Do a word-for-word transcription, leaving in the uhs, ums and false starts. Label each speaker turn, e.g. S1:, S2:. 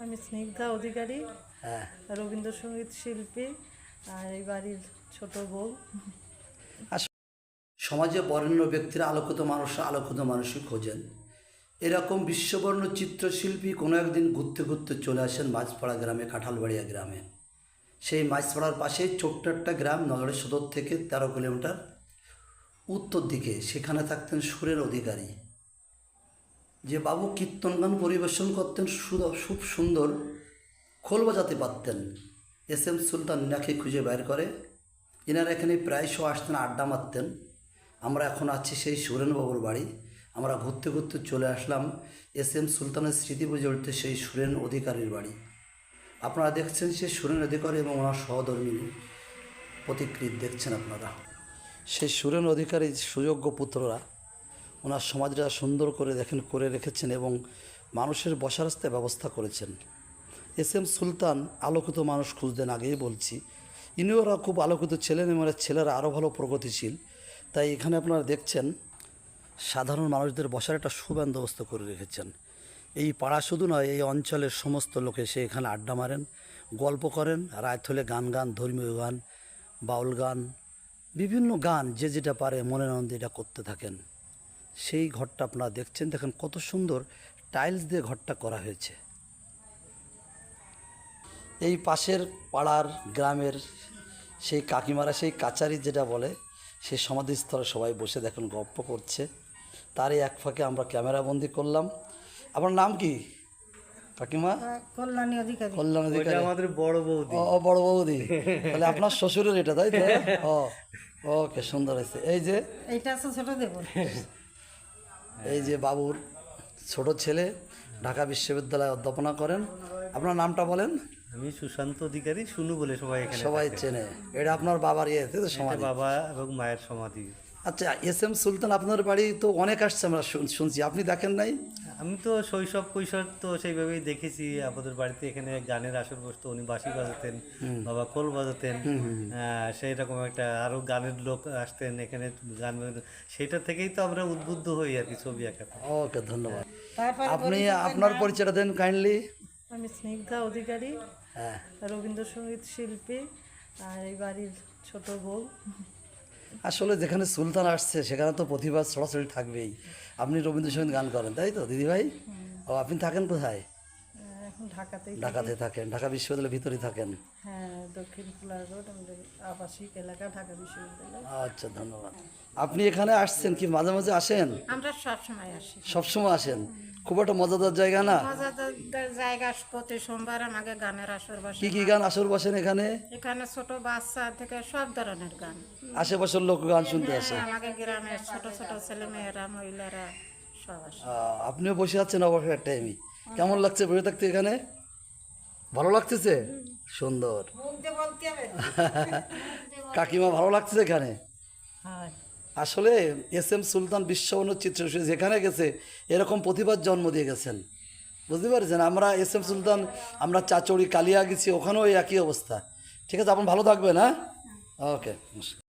S1: আমি স্নিগ্ধা অধিকারী,
S2: হ্যাঁ,
S1: রবীন্দ্রসঙ্গীত শিল্পী আর এই বাড়ির ছোট বউ।
S2: সমাজে বরেণ্য ব্যক্তিরা আলোকিত মানুষ আলোকিত মানুষই খোঁজেন। এরকম বিশ্ববর্ণ চিত্রশিল্পী কোনো একদিন ঘুরতে ঘুরতে চলে আসেন মাঝপাড়া গ্রামে, কাঁঠালবাড়িয়া গ্রামে। সেই মাঝপাড়ার পাশেই ছোট্ট একটা গ্রাম, নগরের সদর থেকে তেরো কিলোমিটার উত্তর দিকে। সেখানে থাকতেন সুরেন অধিকারী, যে বাবু কীর্তন গান পরিবেশন করতেন, খুব সুন্দর খোল বাজাতে পারতেন। এস এম সুলতান ইনাকে খুঁজে বের করে, ইনারা এখানে প্রায়শই আসতেন, আড্ডা মারতেন। আমরা এখন আছি সেই সুরেনবাবুর বাড়ি। আমরা ঘুরতে ঘুরতে চলে আসলাম এস এম সুলতানের স্মৃতি প্রজড়িত সেই সুরেন অধিকারীর বাড়ি। আপনারা দেখছেন সেই সুরেন অধিকারী এবং ওনার সহধর্মিনী প্রতিকৃতি দেখছেন আপনারা। সেই সুরেন অধিকারী সুযোগ্য পুত্ররা ওনার সমাজটা সুন্দর করে দেখেন করে রেখেছেন এবং মানুষের বসার রাস্তায় ব্যবস্থা করেছেন। এস এম সুলতান আলোকিত মানুষ খুঁজতেন, আগেই বলছি। ইনিওরা খুব আলোকিত ছিলেন এবং ছেলেরা আরও ভালো প্রগতিশীল। তাই এখানে আপনারা দেখছেন সাধারণ মানুষদের বসার একটা সুবন্দোবস্ত করে রেখেছেন। এই পাড়া শুধু নয়, এই অঞ্চলের সমস্ত লোকে সে এখানে আড্ডা মারেন, গল্প করেন, রাত হলে গান গান, ধর্মীয় গান, বাউল গান, বিভিন্ন গান যে যেটা পারে মনে আনন্দে এটা করতে থাকেন। সেই ঘরটা আপনারা দেখছেন, দেখেন কত সুন্দর টাইলস দিয়ে ঘরটা করা হয়েছে। এই পাশের পাড়ার গ্রামের সেই কাকিমারা সেই কাচারি যেটা বলে, সেই সমাধিস্থলে সবাই বসে দেখুন গল্প করছে। তারই এক ফাঁকে আমরা ক্যামেরাবন্দি করলাম। আপনার নাম কি কাকিমা?
S1: কল্যাণী অধিকারী।
S2: কল্যাণ অধিকারী
S3: আমাদের বড় বৌদি।
S2: ও বড় বৌদি, তাহলে আপনার শ্বশুরের এটা, তাই তো? ও ওকে, সুন্দর হয়েছে। এই যে
S1: এইটা আছে ছোট দেব,
S2: এই যে বাবুর ছোট ছেলে ঢাকা বিশ্ববিদ্যালয়ে অধ্যাপনা করেন। আপনার নামটা বলেন?
S3: আমি সুশান্ত অধিকারী, শুনু বলে সবাই এখানে
S2: সবাই
S3: ডাকে।
S2: চেনে। এটা আপনার বাবার ইয়ে, তাই তো,
S3: এটা
S2: সমাধি?
S3: বাবা এবং মায়ের সমাধি।
S2: আচ্ছা, এস এম সুলতান আপনার বাড়ি তো অনেক আসছে, আমরা শুন- শুনছি, আপনি দেখেন নাই?
S3: আমি তো শৈশব কৈশোর তো সেইভাবেই দেখেছি। আমাদের বাড়িতে এখানে গানের আসর বসতো, উনি বাঁশি বাজাতেন, বাবা খোল বাজাতেন। আহ, সেই রকম একটা আরো গানের লোক আসতেন এখানে গান বাজাতেন। সেটা থেকেই তো আমরা উদ্বুদ্ধ হই আর কি ছবি আঁকাতে।
S2: ওকে, ধন্যবাদ।
S1: তারপরে
S2: আপনি আপনার পরিচয়টা দেন কাইন্ডলি।
S1: আমি স্নিগ্ধা অধিকারী,
S2: হ্যাঁ,
S1: রবীন্দ্রসঙ্গীত শিল্পী আর এই বাড়ির ছোট বউ।
S2: আসলে যেখানে সুলতান আসছে সেখানে তো প্রতিভা ছড়াছড়ি থাকবেই। আপনি রবীন্দ্রসঙ্গীত গান করেন, তাই তো দিদিভাই? ও, আপনি থাকেন কোথায়?
S1: এখন ঢাকাতেই থাকি।
S2: ঢাকাতে থাকেন? ঢাকা বিশ্ববিদ্যালয়ের ভিতরেই থাকেন?
S1: হ্যাঁ, দক্ষিণ ফুলার রোড, আমাদের আবাসিক এলাকা, ঢাকা বিশ্ববিদ্যালয়।
S2: আচ্ছা, ধন্যবাদ। আপনি এখানে আসছেন কি মাঝে মাঝে আসেন?
S1: আমরা সব সময় আসি।
S2: সবসময় আসেন? খুব একটা মজাদার জায়গা না?
S1: মজাদার জায়গা। প্রতি সোমবার আমাকে গানের আসর বসে।
S2: কি কি গান আসর বসেন এখানে?
S1: এখানে ছোট বাচ্চা থেকে সব ধরনের গান।
S2: আশেপাশের লোক গান শুনতে আসে?
S1: আমাকে গ্রামের ছোট ছোট ছেলে মেয়েরা, মহিলারা সব আসে।
S2: আহ, আপনিও বসে আছেন অবসর টাইমে? কেমন লাগছে বসে থাকতে এখানে? ভালো লাগতেছে? সুন্দর। কাকিমা, ভালো লাগতেছে এখানে?
S1: হয়।
S2: আসলে এস এম সুলতান বিশ্ববর্ণ চিত্রশিল্পী যেখানে গেছে এরকম প্রতিভার জন্ম দিয়ে গেছেন, বুঝতে পারছেন? আমরা এস এম সুলতান, আমরা চাচড়ি কালিয়া গেছি, ওখানেও এই একই অবস্থা। ঠিক আছে, আপনি ভালো থাকবেন। হ্যাঁ, ওকে।